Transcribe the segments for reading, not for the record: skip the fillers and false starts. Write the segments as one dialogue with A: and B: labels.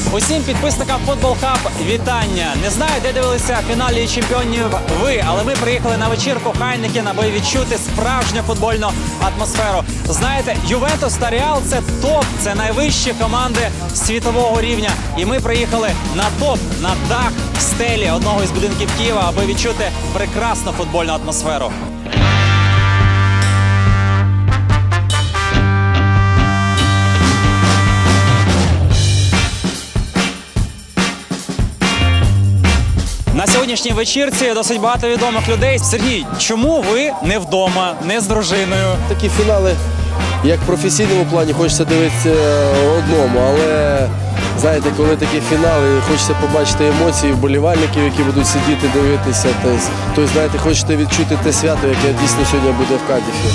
A: Усім підписникам Football Hub вітання! Не знаю, де дивилися фінал Ліги Чемпіонів ви, але ми приїхали на вечірку Хайнекен, аби відчути справжню футбольну атмосферу. Знаєте, Ювентус та Реал – це топ, це найвищі команди світового рівня. І ми приїхали на топ, на дах стелі одного із будинків Києва, аби відчути прекрасну футбольну атмосферу. На сьогоднішній вечірці досить багато відомих людей. Сергій, чому ви не вдома, не з дружиною?
B: Такі фінали, як в професійному плані, хочеться дивитися одному, але, знаєте, коли такі фінали, хочеться побачити емоції вболівальників, які будуть сидіти, дивитися. Тобто, знаєте, хочете відчути те свято, яке дійсно сьогодні буде в Кадіфі.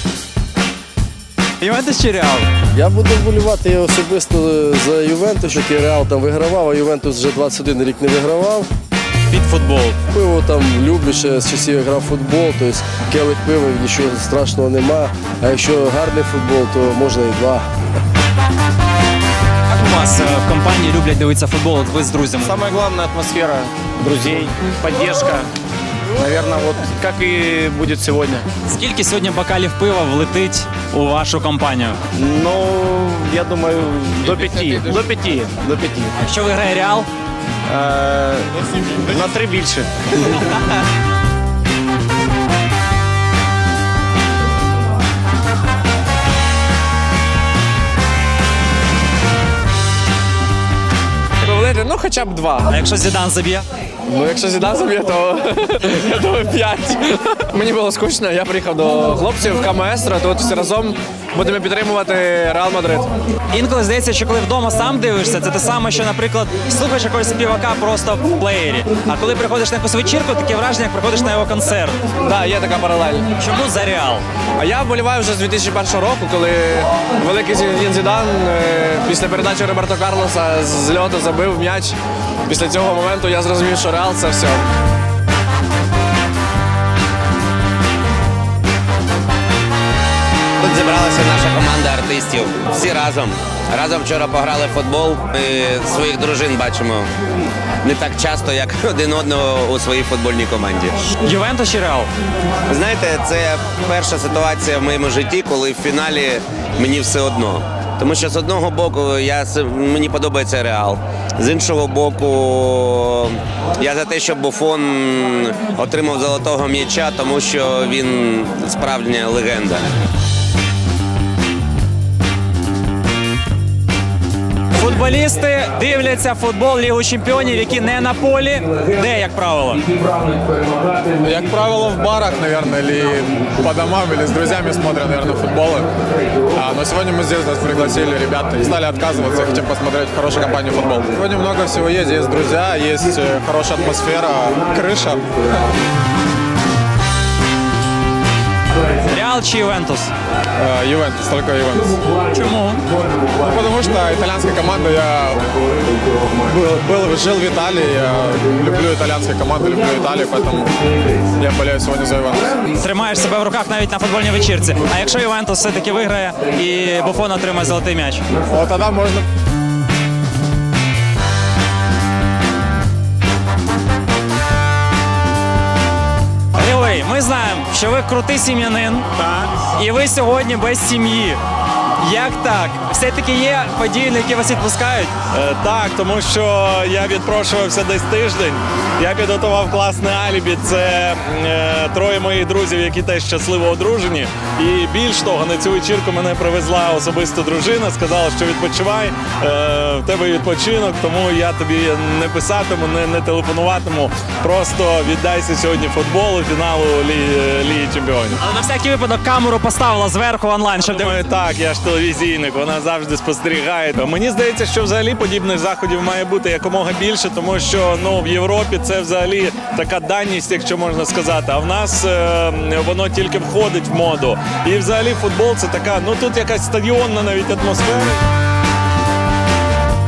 A: Ювентус чи Реал?
B: Я буду вболівати особисто за Ювентус, який Реал там вигравав, а Ювентус вже 21 рік не вигравав.
A: Під футбол.
B: Пиво там люблю, ще з часів я грав в футбол, тобто келих пива, нічого страшного нема. А якщо гарний футбол, то можна і два.
A: Як у вас в компанії люблять дивитися футбол, от ви з друзями?
C: Самая главная атмосфера друзей, поддержка. Наверное, вот как и будет сегодня.
A: Скільки сьогодні бокалів пива влетить у вашу компанію?
C: Ну, я думаю, до 5. До 5. До 5.
A: Якщо виграє Реал?
C: На 3 більше. Ну, хоча б 2.
A: А якщо Зідан заб'є?
C: Ну, якщо Зідан заб'є, то я думаю 5. Мені було скучно, я приїхав до хлопців в КМС, тут всі разом будемо підтримувати Реал Мадрид.
A: Інколи здається, що коли вдома сам дивишся, це те саме, що, наприклад, слухаєш якогось співака просто в плеєрі. А коли приходиш на якусь вечірку, таке враження, як приходиш на його концерт.
C: Так, да, є така паралель.
A: Чому за Реал?
C: А я вболіваю вже з 2001 року, коли великий Зінедін Зідан після передачі Роберто Карлоса з льоту забив м'яч. Після цього моменту я зрозумів, що Реал – це все.
D: Тут зібралася наша команда артистів. Всі разом. Разом вчора пограли в футбол. Ми своїх дружин бачимо не так часто, як один одного у своїй футбольній команді.
A: Ювентус чи Реал?
D: Знаєте, це перша ситуація в моєму житті, коли в фіналі мені все одно. Тому що з одного боку мені подобається Реал. З іншого боку, я за те, щоб Буфон отримав золотого м'яча, тому що він справжня легенда.
A: Футболісти дивляться футбол Лігу Чемпіонів, які не на полі. Де, як правило?
E: Как правило, в барах, наверное, или по домам, или с друзьями смотрят, наверное, футболы. Но сегодня мы здесь нас пригласили ребят, не стали отказываться, хотим посмотреть в хорошей компании футбол. Сегодня много всего есть друзья, есть хорошая атмосфера, крыша.
A: Реал чи Ювентус?
E: Ювентус, только Ювентус.
A: Чому?
E: Ну, потому что итальянская команда, я жил в Италии, я люблю итальянские команды, люблю Италию, поэтому я болею сегодня за Ювентус.
A: Тримаєш себе в руках навіть на футбольній вечірці. А якщо Ювентус все-таки виграє і Буфон отримає золотий м'яч?
E: Вот тогда можно...
A: Ми знаємо, що ви крутий сім'янин, і ви сьогодні без сім'ї. Як так? Все-таки є події, на які вас відпускають?
F: Так, тому що я відпрошувався десь тиждень. Я підготував класне алібі. Це троє моїх друзів, які теж щасливо одружені. І більш того, на цю вечірку мене привезла особисто дружина, сказала, що відпочивай, в тебе відпочинок, тому я тобі не писатиму, не телефонуватиму. Просто віддайся сьогодні футболу, фіналу Ліги Чемпіонів.
A: Але на всякий випадок камеру поставила зверху онлайн, щоб
F: Думаю, так, я ж телевізійник, вона завжди спостерігає. Мені здається, що взагалі подібних заходів має бути якомога більше, тому що в Європі це взагалі така даність, якщо можна сказати. А в нас воно тільки входить в моду. І взагалі футбол це така, тут якась стадіонна навіть атмосфера.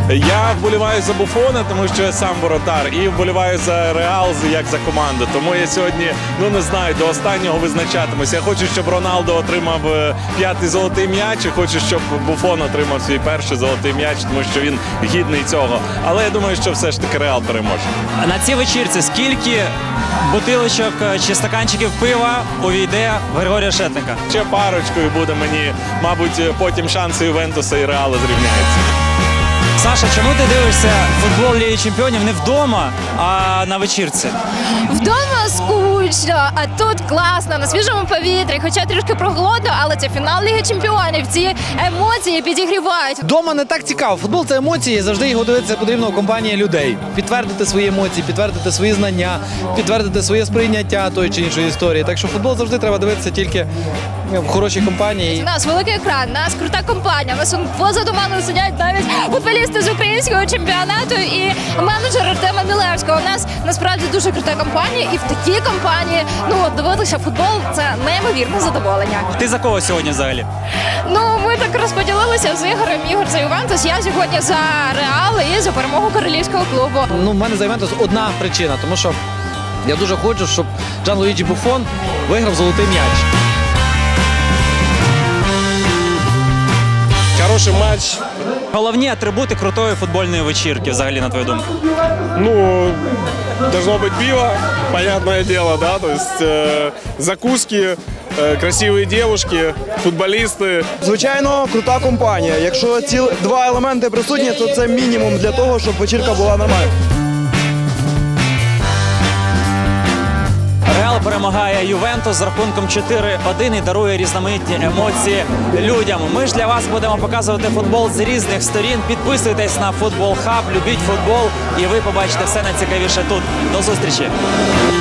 F: Я вболіваю за Буфона, тому що я сам воротар, і вболіваю за Реал як за команду. Тому я сьогодні, не знаю, до останнього визначатимуся. Я хочу, щоб Роналдо отримав 5-й золотий м'яч, і хочу, щоб Буфон отримав свій перший золотий м'яч, тому що він гідний цього. Але я думаю, що все ж таки Реал переможе.
A: На цій вечірці скільки бутилочок чи стаканчиків пива увійде в Григорія Шетника?
F: Ще парочку і буде мені, мабуть, потім шанси Ювентуса і Реала зрівняються.
A: Саша, чому ти дивишся футбол Ліги Чемпіонів не вдома, а на вечірці?
G: Вдома скучно, а тут класно, на свіжому повітрі, хоча трішки прохолодно, але це фінал Ліги Чемпіонів, ці емоції підігрівають.
H: Дома не так цікаво. Футбол – це емоції, завжди його дивитися потрібно у компанії людей. Підтвердити свої емоції, підтвердити свої знання, підтвердити своє сприйняття тої чи іншої історії. Так що футбол завжди треба дивитися тільки в хорошій компанії.
G: У нас великий екран, у нас крута компанія, у нас позаду мене сидять навіть футболісти з українського чемпіонату і менеджер Артема Мілевського. У нас насправді дуже крута компанія, і в такій компанії дивитися футбол – це неймовірне задоволення.
A: Ти за кого сьогодні взагалі?
G: Ми так розподілилися з Ігорем. Ігор за Ювентус, я сьогодні за Реал і за перемогу королівського клубу.
H: В мене за Ювентус одна причина, тому що я дуже хочу, щоб Джанлуїджі Буфон виграв золотий м'яч.
C: Хороший матч.
A: Головні атрибути крутої футбольної вечірки, взагалі, на твою думку?
C: Должно быть пиво, понятное дело, да, то есть закуски, красивые девушки, футболисты.
I: Звичайно, крута компанія. Якщо ці два елементи присутні, то це мінімум для того, щоб вечірка була нормальна.
A: Реал перемагає Ювентус з рахунком 4-1 і дарує різноманітні емоції людям. Ми ж для вас будемо показувати футбол з різних сторін. Підписуйтесь на Футбол Хаб, любіть футбол і ви побачите все найцікавіше тут. До зустрічі!